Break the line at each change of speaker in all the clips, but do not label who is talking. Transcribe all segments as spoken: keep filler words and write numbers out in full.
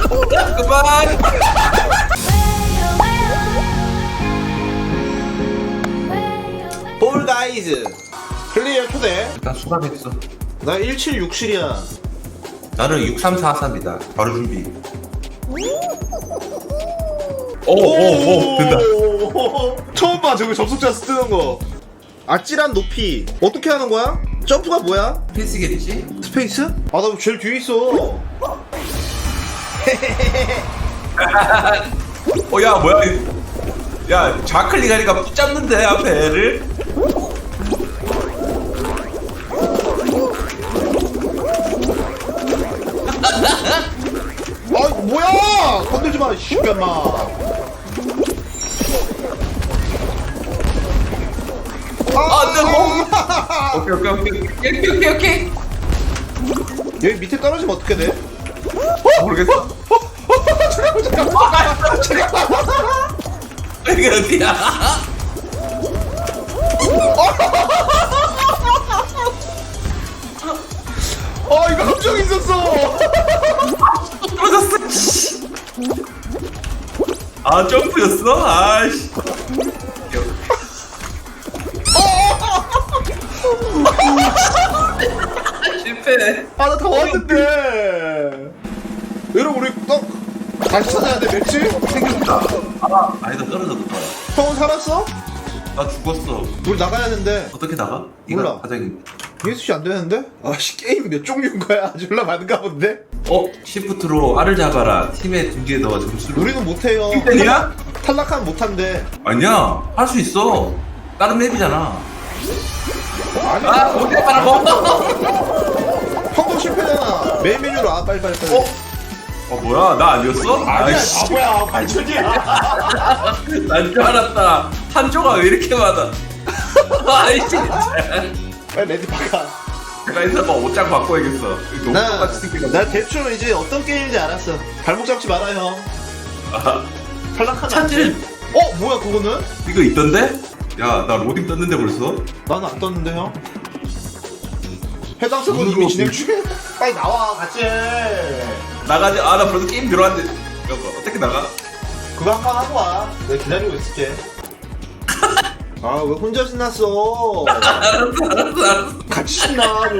그만.
볼 가이즈 클리어 초대.
일단 수감했어.
나 일칠육칠이야.
나는 육삼사삼이다. 바로 준비. 오오오 된다.
처음 봐 저거 접속자 뜨는 거. 아찔한 높이 어떻게 하는 거야? 점프가 뭐야?
필수겠지?
스페이스? 아 나 제일 뒤에 있어.
어야 뭐야? 야 좌클릭하니까 붙잡는데 앞에 애를.
아 뭐야? 건들지 마, 씨발마.
아, 네, 오케이 오케이 오케이 오케이 오케이 오케이.
여기 밑에 떨어지면 어떻게 돼?
모르겠어.
잠깐만 잠깐만 잠깐만.
이게 어디야?
아 이거 함정 있었어.
떨어졌어. 아 점프였어? 아이씨. 실패.
아 나 다 왔는데. 여러분 우리 또 다시 찾아야 돼 맵지?
생겼다. 아 아니다 떨어졌다.
형은 살았어?
나 죽었어.
우리 나가야 되는데.
어떻게 나가?
몰라.
가장.
예수씨 안 되는데? 아씨 게임 몇 종류인 거야? 졸라 많은가 본데?
어 시프트로 알을 잡아라. 팀의 두 개 더 점수를.
우리는 못해요.
팀이야?
탈락하면 못한대.
아니야 할 수 있어. 다른 맵이잖아.
아니
아 어디야 말하고.
형도 실패잖아. 메인 메뉴로 와 빨리 빨리 빨리.
어? 어 뭐야 나 아니었어?
아니야
아이씨.
바보야 발전이야.
난 줄 알았다. 한조가 왜 이렇게 많아? 아이씨 진짜.
빨리 레디 바꿔.
내가 있어 봐 옷장 바꿔야겠어. 너무
나,
똑같이 생긴
나 대충 이제 어떤 게임인지 알았어. 발목 잡지 마라 형.
거.
탈락하면 안 돼.
찬질
어 뭐야 그거는?
이거 있던데? 야 나 로딩 떴는데 벌써?
나는 안 떴는데 형. 해당 서버
누구
이미
누구
진행 중에. 빨리 나와 같이.
나가지. 아 나 벌써 게임 들어왔는데. 여보 어떻게 나가?
그거 한 판 하고 와. 내가 기다리고 있을게. 아 왜 혼자 신났어?
알았어 알았어 알았어.
같이 신나요.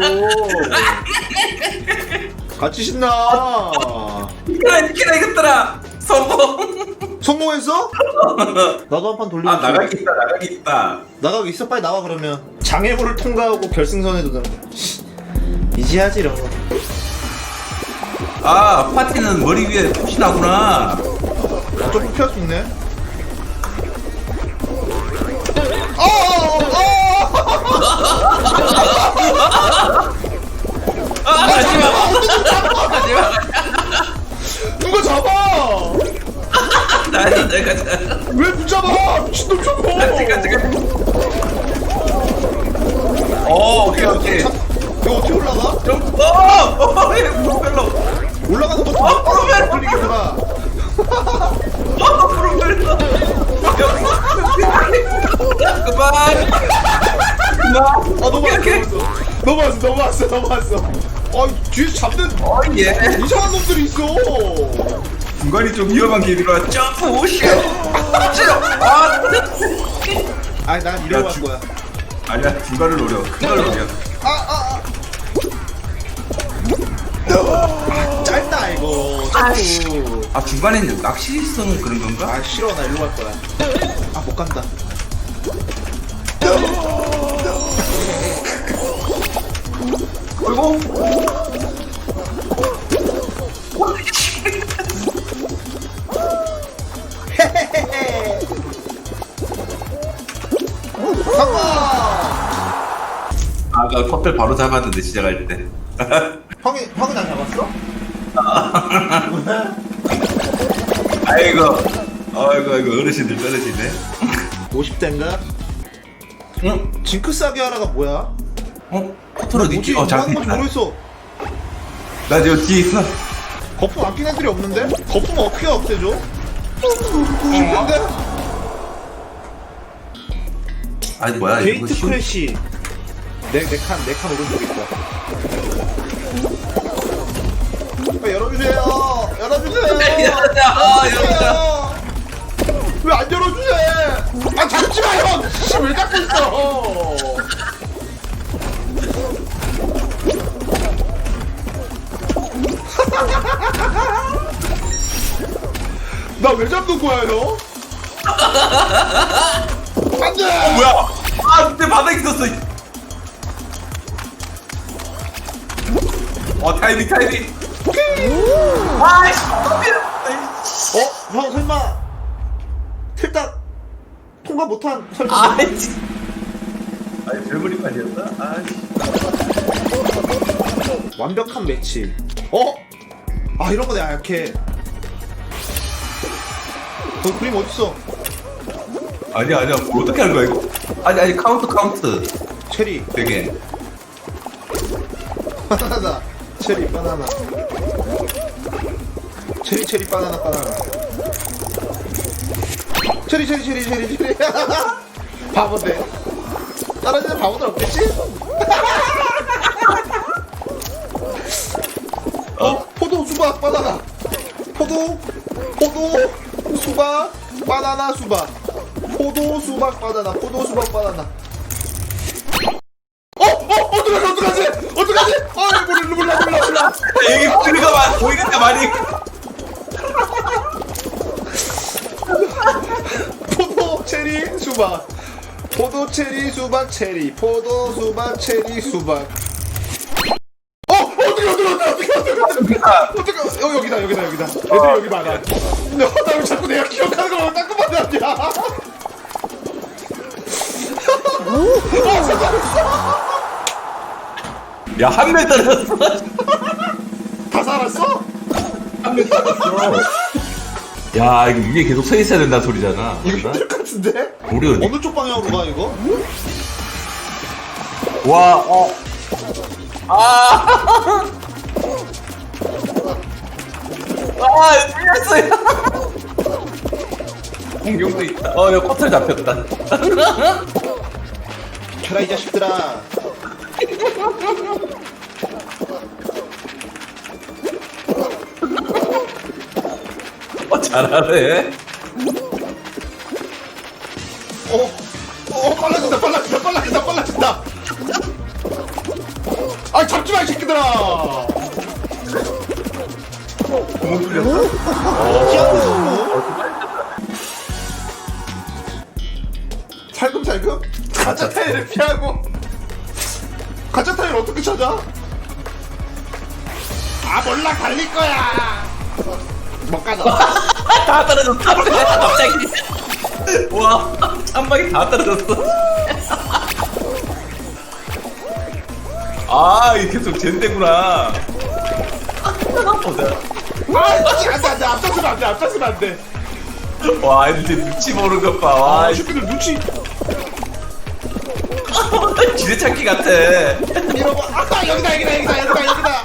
같이 신나.
이겨라 이겨라 이겼더라. 성공.
성공했어? 나도 한 판 돌리고.
아 나가기 있다 나가기 있다.
나가고 있어. 빨리 나와 그러면. 장애물을 통과하고 결승선에 도전. 이지하지 이런 거.
아 파티는 머리 위에 푸시나구나.
아, 좀 피할 수 있네. 어, 어,
아 하지마 하지마.
누가 잡아?
나는 내가 잘.
왜 붙잡아? 미친놈 저거.
같이 같이 같이. 어 오케이 오케이.
이거 어떻게 올라가?
좀 어어 프로펠러.
올라가는 것도
어, 프로펠러.
돌리기구나.
어 프로펠러. 그만. 그만.
아 너무
오케이,
왔어.
오케이.
넘어왔어. 넘어왔어. 넘어왔어. 아 뒤에서 잡는
어 예.
이상한 놈들이 있어.
중간이 좀 위험한 길이라 점프 오시오. 아
아니 난 이러고
야,
갈
주-
거야.
아니야 중간을 노려. 큰 걸 노려.
아, 아, 아. 짧다 이거. 자꾸.
아 중간에는 낚시성 그런 건가?
아 싫어 나 일로 갈 거야. 아 못 간다.
어이구.
성공.
아까 퍼플 바로 잡았는데 시작할 때.
형이 형이 나 잡았어?
아이고. 아이고 아이고 어르신들 떨어지네.
오십 대인가?
응?
징크스 하게 하라가 뭐야?
어? 포트로
뭐지?
니키. 어
뭐 하는
잠깐.
건지 모르겠어.
나 지금 뒤에 있어.
거품 아낀 애들이 없는데? 거품 어떻게 없애줘? 쉽던데?
아니 뭐야 이거
게이트
쉬운-
크래시. 내내칸 내 칸 오른쪽에 있다. 아, 열어주세요. 열어주세요.
야, 아, 야,
왜 안 열어주세요? 아 잡지 마요. 씨, 왜 잡고 있어? 나 왜 잡는 거야 너? 안돼.
뭐야? 아, 근데 바닥에 있었어. 어, 타이밍, 타이밍. 아이씨,
어? 형 설마 틀딱 통과 못한 설마?
아이씨. 아니, 별그림판이었나? 아이씨.
완벽한 매치. 어? 아 이런 거 내가 약해. 너 그림 어딨어?
아니야, 아니야. 뭐 어떻게 하는 거야, 이거? 아니, 아니, 카운트, 카운트.
체리.
되게.
바나나. 체리 바나나. 체리 체리 바나나 바나나. 체리 체리 체리 체리 체리. 바보들. 떨어지는 바보들 없겠지? 어? 포도 수박 바나나. 포도 포도 수박 바나나 수박. 포도 수박 바나나. 포도 수박 바나나. 어? 어? 어떡하지 어떡하지 어떡하지? 아 몰라 몰라 몰라 몰라.
여기 보이가 많, 보이가 많이.
포도 체리 수박. 포도 체리 수박 체리. 포도 수박 체리 수박. 어? 어떻게 어떻게 어떻게 어떻게 어떻게 어떻게 어떻게 어 여기다 여기다 여기다. 애들이 여기 많아. 나 왜 자꾸 내가 기억하는 걸 자꾸 만났냐? 어 잠깐.
야, 한 명 떨어졌어.
다 살았어?
한 명 떨어졌어. 야, 이거 위에 계속 서 있어야 된다는 소리잖아.
이거 힘들 것 같은데?
우리 어디?
어느 쪽 방향으로 가 이거?
와, 어. 아. 아, 틀렸어요. 공룡도 있다. 어, 여기 코털 잡혔다.
켜라 이 자식들아.
어, 잘하네.
어, 어 빨라진다 빨라진다 빨라진다 빨라진다. 아 잡지 마 이 새끼들아.
구멍 뚫렸어.
피하고 살금살금 가짜 타일을 피하고. 가짜 타일 어떻게 찾아? 아 몰라 달릴 거야. 못 가자.
다 떨어졌어. 갑자기. 와, 한 방에 다 떨어졌어. 아, 이게 계속 젠데구나. 보자.
아 씨, 안돼 안돼 앞장서면 안돼 앞장서면 안돼.
와, 애들 눈치 보는 것 봐. 와,
아 슈피들 눈치.
지뢰찾기 같아.
이러고 아 여기다 여기다 여기다 여기다 여기다.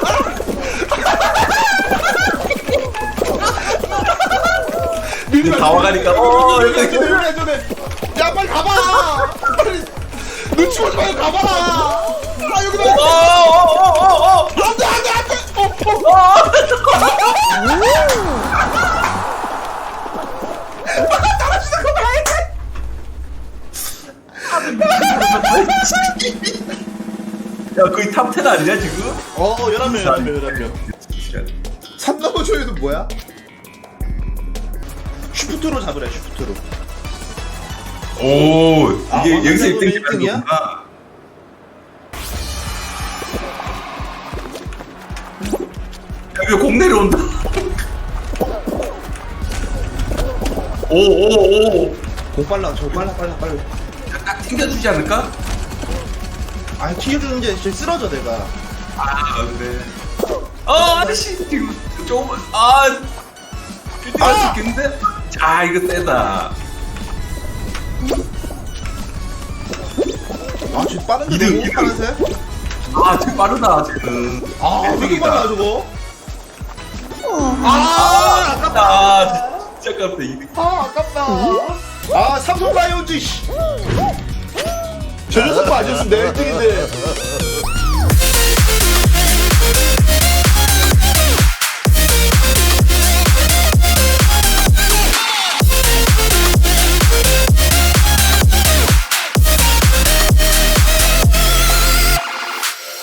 이제 다 와가니까, 어,
여기
여기.
여기 여기 여기. 야 빨리 가봐. 빨리 눈치 보지 말고 가봐. 아 여기다.
어, 어, 어, 어, 어.
안돼 안돼 안돼. 어, 어. 떨어지는 거 봐.
야, 거의 탑텐 아니냐, 지금?
어 열한 명 열한 명 열한 명. 삼 넘어 조회도 뭐야? 슈프트로 잡으래 슈프트로.
오,
아,
이게 여기서
왕년으로
일 등
일 등이야?
기록이구나. 여기 공 내려온다. 오, 오, 오.
공 빨라 저 빨라 빨라 빨라.
딱 튕겨주지 않을까?
아니 튀겨주는 게 진짜 쓰러져 내가.
아, 그래. 어, 아저씨, 지금 조금, 아, 일 등 할 수 있겠는데? 자, 이거 세다.
아 지금 빠른데
이등,
너무
이등.
파란색?
아, 지금 빠르다, 지금.
아 왜 이렇게
일등이다.
빨라 저거?
아,
아 아깝다.
아, 진짜 깜짝이야, 이 등.
아 아깝다. 아 삼성 라이온즈 씨. 저 녀석 아니었으면 내 일 등인데.